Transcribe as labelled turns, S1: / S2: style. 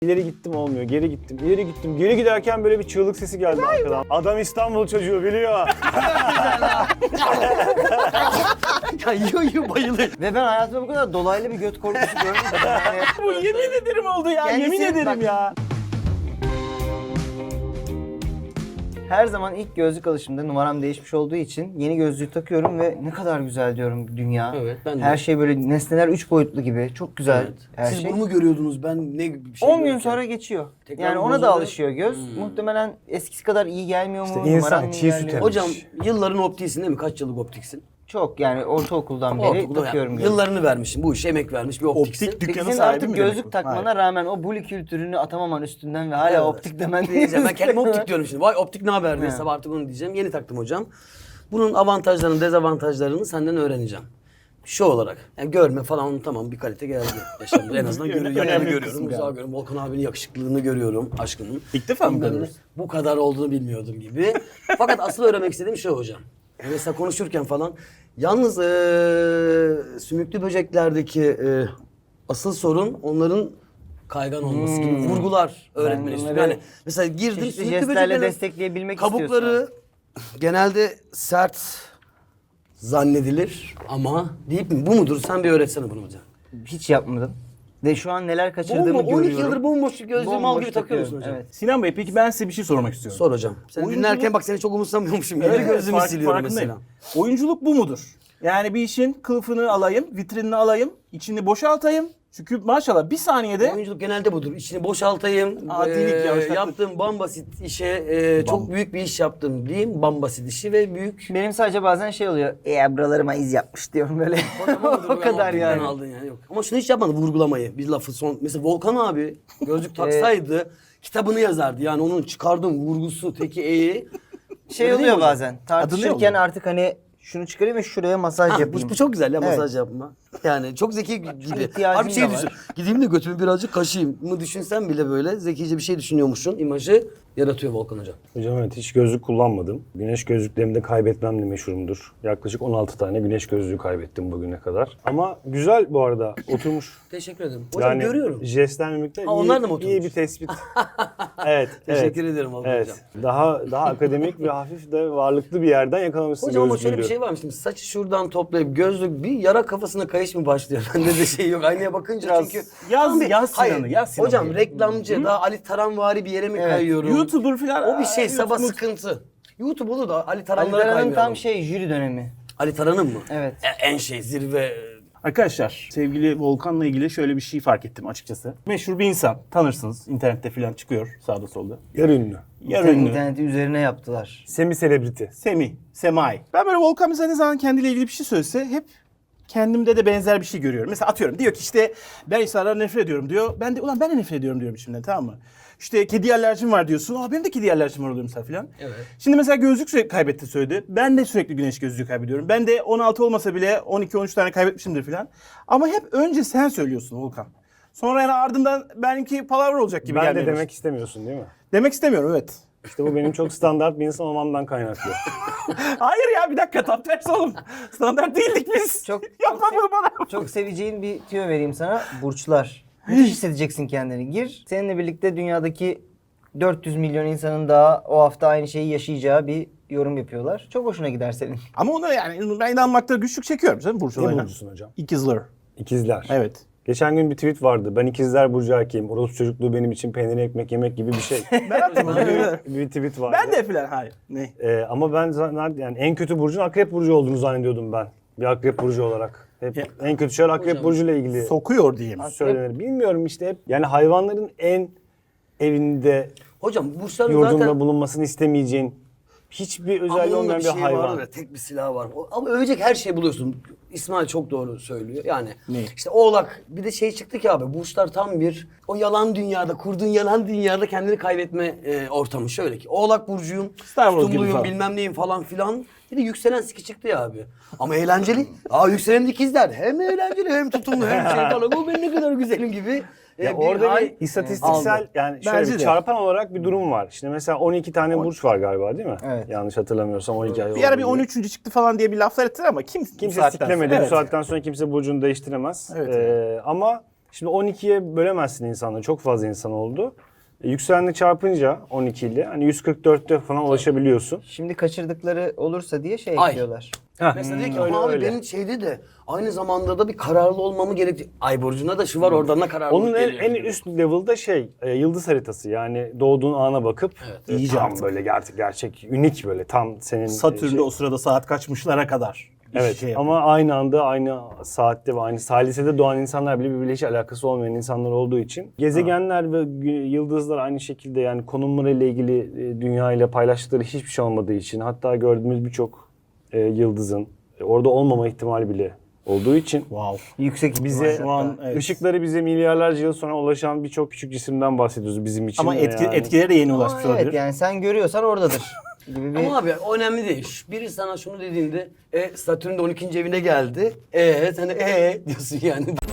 S1: İleri gittim olmuyor, geri gittim, ileri gittim. Geri giderken böyle bir çığlık sesi geldi arkadan. Adam İstanbul çocuğu biliyor.
S2: Ya yiyor bayılır.
S3: Ve ben hayatımda bu kadar dolaylı bir göt korkusu görmedim. Yani
S1: Bu yemin ederim oldu ya,
S3: Kendisi-
S1: yemin ederim
S3: bak-
S1: ya.
S3: her zaman ilk gözlük alışımda numaram değişmiş olduğu için yeni gözlüğü takıyorum ve ne kadar güzel diyorum dünya.
S2: Evet, ben de.
S3: Her şey böyle nesneler 3 boyutlu gibi. Çok güzel her
S2: Siz
S3: şey.
S2: bunu mu görüyordunuz? Ben ne bir şey
S3: 10 gün
S2: görürken?
S3: sonra geçiyor.
S2: Tekrar
S3: Yani ona da
S2: bozuluyor.
S3: alışıyor göz. Muhtemelen eskisi kadar iyi gelmiyor mu?
S1: İşte
S3: numaram
S1: insan
S3: mı iyi
S1: çiğ süt
S3: gelmiyor?
S1: emer.
S2: Hocam yılların optiksin değil mi? Kaç yıllık optiksin?
S3: Çok yani ortaokuldan beri
S2: Ortaokulda
S3: takıyorum
S2: yani.
S3: gözlük.
S2: Yıllarını vermişsin. Bu işe emek vermiş bir optiksin.
S1: Optik
S3: Peki
S1: dükkanı
S3: senin
S1: sahibi
S3: artık
S1: mi demek
S3: gözlük
S1: bu?
S3: takmana
S1: Hayır.
S3: rağmen o bully kültürünü atamaman üstünden ve hala
S2: Evet.
S3: optik demen
S2: Diyeceğim. Ben kendime optik diyorum şimdi. Vay optik ne haber diye
S3: He.
S2: sabah artık onu diyeceğim. Yeni taktım hocam. Bunun avantajlarını, dezavantajlarını senden öğreneceğim. Şu olarak. Yani görme falan onu tamam bir kalite geldi. Yaşamda en azından
S1: Önemli
S2: yakını
S1: kısım
S2: görüyorum. Uzağı
S1: galiba.
S2: görüyorum. Volkan abinin yakışıklılığını görüyorum. Aşkının.
S1: İlk defa mı
S2: Bilmem ne.
S1: görüyorsun?
S2: Bu kadar olduğunu bilmiyordum gibi. Fakat asıl öğrenmek istediğim şu hocam. Yani mesela konuşurken falan. Yalnız sümüklü böceklerdeki asıl sorun onların kaygan olması gibi vurgular öğretmeni istiyorum.
S3: onları
S2: Yani mesela girdim
S3: çeşitli
S2: sümüklü
S3: jestlerle
S2: böceklerin
S3: destekleyebilmek
S2: kabukları
S3: istiyorsun.
S2: genelde sert zannedilir ama deyip mi? Bu mudur? Sen bir öğretsene bunu hocam.
S3: Hiç yapmadım. Ve şu an neler kaçırdığımı
S2: 12
S3: görüyorum.
S2: yıldır bomboş gözlüğü mal
S3: Bomboş
S2: gibi takıyor musun
S3: takıyorum,
S2: hocam?
S3: Evet.
S1: Sinan Bey peki ben size bir şey sormak istiyorum.
S2: Sor hocam. Sen
S1: Oyunculuk-
S2: dinlerken bak seni çok umursamıyormuşum. Yeni
S1: Evet,
S2: gözlüğümü
S1: fark-
S2: siliyorum
S1: farkındayım.
S2: mesela.
S1: Oyunculuk bu mudur? Yani bir işin kılıfını alayım, vitrinini alayım, içini boşaltayım. Çünkü maşallah bir saniyede
S2: Oyunculuk genelde budur. İçini boşaltayım.
S1: Adilik, yavaşlatma.
S2: yaptığım bambasit işe çok büyük bir iş yaptım diyeyim. Bambasit işi ve büyük.
S3: Benim sadece bazen şey oluyor. Buralarıma iz yapmış diyorum böyle. o kadar yani.
S2: Aldın yani yok. Ama şunu hiç yapmadı vurgulamayı. Bir lafı son. Mesela Volkan abi gözlük taksaydı kitabını yazardı. Yani onun çıkardığım vurgusu teki eği.
S3: Şey
S2: Öyle değil
S3: oluyor
S2: mi hocam?
S3: bazen.
S1: ne
S3: Tartışırken
S1: oluyor?
S3: artık hani şunu çıkarayım ve şuraya masaj
S2: Ha,
S3: yapayım.
S2: bu çok güzel ya
S3: Evet.
S2: masaj yapma. Yani çok zeki gibi.
S3: ihtiyacım
S2: Abi bir şey
S3: da var.
S2: düşün. Gideyim de götümü birazcık kaşıyım mı düşünsen bile böyle zekice bir şey düşünüyormuşsun. İmajı yaratıyor Volkan hocam.
S1: Hocam evet hiç gözlük kullanmadım. Güneş gözlüklerimi de kaybetmemle meşhurumdur. Yaklaşık 16 tane güneş gözlüğü kaybettim bugüne kadar. Ama güzel bu arada oturmuş.
S2: Teşekkür ederim. Hocam görüyorum.
S1: Jestler mimikler
S2: Ha, onlar
S1: iyi,
S2: da mı
S1: iyi
S2: oturmuş?
S1: bir tespit. Evet.
S2: Teşekkür
S1: evet.
S2: ederim Volkan
S1: Evet.
S2: hocam.
S1: Daha akademik ve hafif de varlıklı bir yerden yakalamışsın
S2: Hocam ama
S1: gözlüğü
S2: şöyle bir
S1: diyorum.
S2: şey varmış. Şimdi saçı şuradan toplayıp gözlük bir yara kafasına kayış mı başlıyor? Bende de şey yok. Aynaya bakınca
S1: Biraz
S2: çünkü...
S1: yaz-
S2: Tam bir-
S1: yaz
S2: Hayır.
S1: Sinan'ı, yaz Sinan'ı.
S2: Hocam reklamcı daha Ali Taranvari bir yere mi kayıyorum?
S1: YouTuber falan.
S2: O bir şey sabah
S1: YouTube-
S2: sıkıntı. YouTube olur da Ali
S3: Ali
S2: Taranlara
S3: Taran'ın
S2: kaymayalım.
S3: tam şey jüri dönemi.
S2: Ali Taran'ın mı?
S3: Evet.
S2: En şey zirve.
S1: Arkadaşlar sevgili Volkan'la ilgili şöyle bir şey fark ettim açıkçası. Meşhur bir insan tanırsınız internette falan çıkıyor sağda solda. Yarı ünlü. Yarı ünlü.
S3: İnterneti üzerine yaptılar.
S1: Semi selebriti. Semai. Ben böyle Volkan mesela ne zaman kendiyle ilgili bir şey söylese hep kendimde de benzer bir şey görüyorum. Mesela atıyorum diyor ki işte ben insanlara nefret ediyorum diyor. Ben de ulan ben de nefret ediyorum diyorum içimden tamam mı? İşte kedi alerjim var diyorsun. Aa benim de kedi alerjim var oluyor mesela filan.
S2: Evet.
S1: Şimdi mesela gözlük sürekli kaybetti söyledi. Ben de sürekli güneş gözlüğü kaybediyorum. Ben de 16 olmasa bile 12-13 tane kaybetmişimdir filan. Ama hep önce sen söylüyorsun Volkan. Sonra yani ardından benimki palavra olacak gibi
S4: Ben
S1: gelmeye
S4: de
S1: başladı.
S4: demek istemiyorsun değil mi?
S1: Demek istemiyorum evet.
S4: İşte bu benim çok standart bir insan olmamdan kaynaklı.
S1: Hayır ya bir dakika tam tersi oğlum. Standart değildik biz.
S3: Çok-
S1: Yapma bunu bana.
S3: Çok seveceğin bir tüyo vereyim sana. Burçlar. Müthiş hissedeceksin kendini. Gir. Seninle birlikte dünyadaki 400 milyon insanın daha o hafta aynı şeyi yaşayacağı bir yorum yapıyorlar. Çok hoşuna gider senin.
S1: Ama ona yani ben inanmakta güçlük çekiyorum canım Burç
S4: Ne
S1: olayına.
S4: burcusun hocam?
S1: İkizler.
S4: İkizler.
S1: Evet.
S4: Geçen gün bir tweet vardı. Ben ikizler burcu erkeğim. Orospu çocukluğu benim için peynir ekmek yemek gibi bir şey.
S1: Ben attım.
S4: bir tweet vardı.
S1: Ben de filan hayır. Ne?
S4: Ama ben yani en kötü burcun akrep burcu olduğunu zannediyordum ben. Bir akrep burcu olarak. Hep
S1: Ya.
S4: en kötü şeyler akrep burcuyla ilgili
S1: Sokuyor diyeyim.
S4: söylenir. Bilmiyorum işte hep. Yani hayvanların en evinde,
S2: Hocam burçların
S4: yurdunda
S2: zaten...
S4: bulunmasını istemeyeceğin hiçbir
S2: Ama
S4: özelliği
S2: onun da
S4: olmayan
S2: bir
S4: bir
S2: şey
S4: hayvan.
S2: vardır ya, tek bir silah var. Ama övecek her şeyi buluyorsun. İsmail çok doğru söylüyor. Yani
S1: Ne?
S2: işte Oğlak bir de şey çıktı ki abi burçlar tam bir o yalan dünyada kurduğun yalan dünyada kendini kaybetme ortamı şöyle ki Oğlak burcuyum,
S1: Star Wars gibi
S2: tutumluyum
S1: falan.
S2: bilmem neyim falan filan. Bir de yükselen siki çıktı ya abi. Ama eğlenceli. Yükselen ikizler hem eğlenceli hem tutumlu hem şey falan. O ben ne kadar güzelim gibi.
S4: Ya
S2: bir
S4: orada
S2: hal
S4: bir istatistiksel
S2: aldı.
S4: yani şöyle
S1: Bence
S4: bir
S1: de.
S4: çarpan olarak bir durum var. İşte mesela 12 tane burç var galiba değil mi?
S3: Evet.
S4: Yanlış hatırlamıyorsam 12 ay
S1: Bir ara bir
S4: olduğu gibi.
S1: 13. çıktı falan diye bir laflar ettiler ama
S4: Kimse
S1: saatten
S4: siklemedi.
S1: sonra-
S4: Bu saatten sonra kimse burcunu değiştiremez.
S1: Evet.
S4: Ama Şimdi 12'ye bölemezsin insanları. Çok fazla insan oldu. Yükselenle çarpınca 12 ile hani 144'te falan ulaşabiliyorsun.
S3: Şimdi kaçırdıkları olursa diye şey
S2: Ay.
S3: ekliyorlar.
S2: Mesela diyor ki
S4: öyle,
S2: ama abi
S4: öyle.
S2: benim şeyde de aynı zamanda da bir kararlı olmamı gerekti. Ay burcuna da şu var oradan da kararlılık
S4: Onun
S2: geliyor.
S4: en üst level'da yıldız haritası, yani doğduğun ana bakıp
S1: İyice
S4: tam
S1: artık.
S4: böyle gerçek unik, böyle tam senin
S1: Satürn'de o sırada saat kaçmışlara kadar.
S4: Evet
S1: şey yapıyor.
S4: ama aynı anda, aynı saatte ve aynı salisede doğan insanlar bile birbiriyle hiç alakası olmayan insanlar olduğu için gezegenler ve yıldızlar aynı şekilde, yani konumlarıyla ilgili dünya ile paylaştıkları hiçbir şey olmadığı için, hatta gördüğümüz birçok yıldızın orada olmama ihtimali bile olduğu için
S1: Wow.
S3: Yüksek
S4: bize
S3: ihtimalle
S1: Şu an
S3: hatta.
S1: evet.
S4: ışıkları bize milyarlarca yıl sonra ulaşan birçok küçük cisimden bahsediyoruz bizim için.
S1: Ama
S4: de yani.
S1: etkileri de yeni
S3: Ama
S1: ulaşmış
S3: evet
S1: olabilir.
S3: yani sen görüyorsan oradadır gibi bir...
S2: Ama abi o önemli değil. Biri sana şunu dediğinde Satürn de 12. evine geldi. Sen de diyorsun yani.